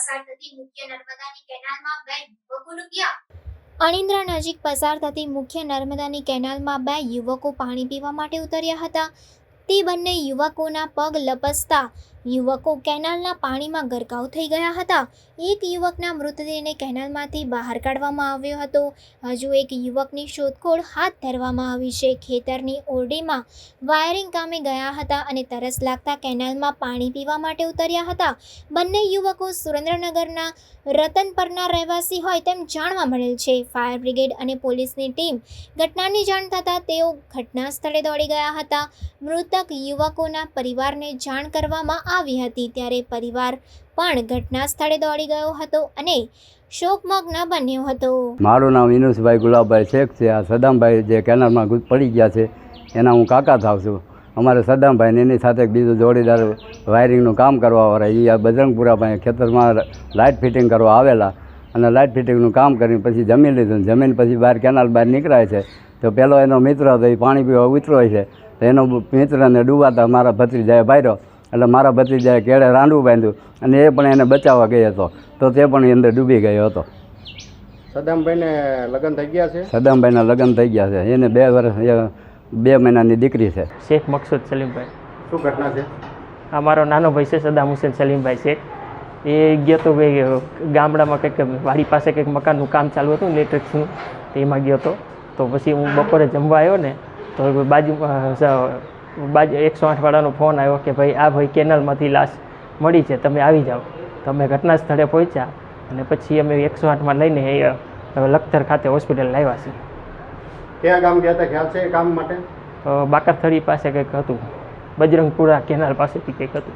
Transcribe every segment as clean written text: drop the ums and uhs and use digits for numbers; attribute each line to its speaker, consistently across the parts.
Speaker 1: પસાર થતી મુખ્ય નર્મદાની કેનાલમાં 2 યુવકો ડૂબ્યા।
Speaker 2: અણિન્દ્રા નજીક પસાર થતી મુખ્ય નર્મદાની કેનાલમાં 2 યુવકો પાણી પીવા માટે ઉતર્યા હતા। તે બંને યુવકોના પગ લપસતા યુવકો કેનાલના પાણીમાં ગરકાવ થઈ ગયા હતા। એક યુવકના મૃતદેહને કેનાલમાંથી બહાર કાઢવામાં આવ્યો હતો। હજુ એક યુવકની શોધખોળ હાથ ધરવામાં આવી છે। ખેતરની ઓરડીમાં વાયરિંગ કામે ગયા હતા અને તરસ લાગતા કેનાલમાં પાણી પીવા માટે ઉતર્યા હતા। બંને યુવકો સુરેન્દ્રનગરના રતનપરના રહેવાસી હોય તેમ જાણવા મળેલ છે। ફાયર બ્રિગેડ અને પોલીસની ટીમ ઘટનાની જાણ થતાં તેઓ ઘટના સ્થળે દોડી ગયા હતા। મૃતક યુવકોના પરિવારને જાણ કરવામાં આવી હતી ત્યારે પરિવાર પણ ઘટના સ્થળે દોડી ગયો હતો અને શોકમગ્ન બન્યો હતો।
Speaker 3: મારું નામ વિનુષભાઈ ગુલાબભાઈ શેખ છે। આ સદામભાઈ જે કેનાલમાં પડી ગયા છે એના હું કાકા થાવ છું। અમારે સદામભાઈને એની સાથે એક બીજો જોડીદાર વાયરિંગનું કામ કરવાવાળા એ આ બજરંગપુરા પાસે ખેતરમાં લાઇટ ફિટિંગ કરવા આવેલા અને લાઇટ ફિટિંગનું કામ કરીને પછી જમી લીધું। જમીન પછી બહાર કેનાલ બહાર નીકળાય છે તો પેલો એનો મિત્ર હતો એ પાણી પીવા ઉતરો છે તો એનો મિત્રને ડૂબાતા મારા ભત્રીજાએ ભાર્યો એટલે મારા ભત્રીજાએ કેળે રાંડવું બાંધ્યું અને એ પણ એને બચાવવા ગયો હતો તો તે પણ અંદર ડૂબી ગયો હતો।
Speaker 4: સદામભાઈને લગ્ન થઈ ગયા છે?
Speaker 3: સદામભાઈના લગ્ન થઈ ગયા છે। એને 2 વર્ષ 2 મહિનાની દીકરી છે।
Speaker 5: શેખ મકસૂદ સલીમભાઈ।
Speaker 4: શું ઘટના છે?
Speaker 5: અમારો નાનો ભાઈ છે સદામ હુસેન સલીમભાઈ શેખ। એ ગયો તો ભાઈ ગામડામાં કંઈક વાડી પાસે કંઈક મકાનનું કામ ચાલુ હતું ઇલેક્ટ્રિક્સનું, તો એમાં ગયો હતો। તો પછી હું બપોરે જમવા આવ્યો ને તો બાજુમાં 108 વાળાનો ફોન આવ્યો કે ભાઈ આ ભાઈ કેનાલમાંથી લાશ મળી છે, તમે આવી જાઓ। તો અમે ઘટના સ્થળે પહોંચ્યા અને પછી અમે 108માં લઈને લખતર ખાતે હોસ્પિટલ લાવ્યા છીએ।
Speaker 4: ક્યાં ગામ ગયા હતા ખ્યાલ છે એ કામ માટે?
Speaker 5: બાકરથળી પાસે કંઈક હતું, બજરંગપુરા કેનાલ પાસેથી કંઈક હતું।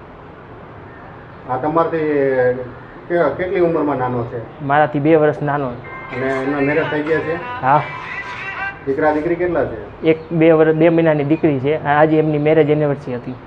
Speaker 4: આ તમારથી કેટલી ઉંમરમાં નાનો છે?
Speaker 5: મારાથી 2 વર્ષ નાનો।
Speaker 4: અને એમના મેરેજ થઈ ગયા છે?
Speaker 5: હા।
Speaker 4: દીકરા દીકરી કેટલા છે?
Speaker 5: એક 2 મહિનાની દીકરી છે। આજે એમની મેરેજ એનિવર્સરી હતી।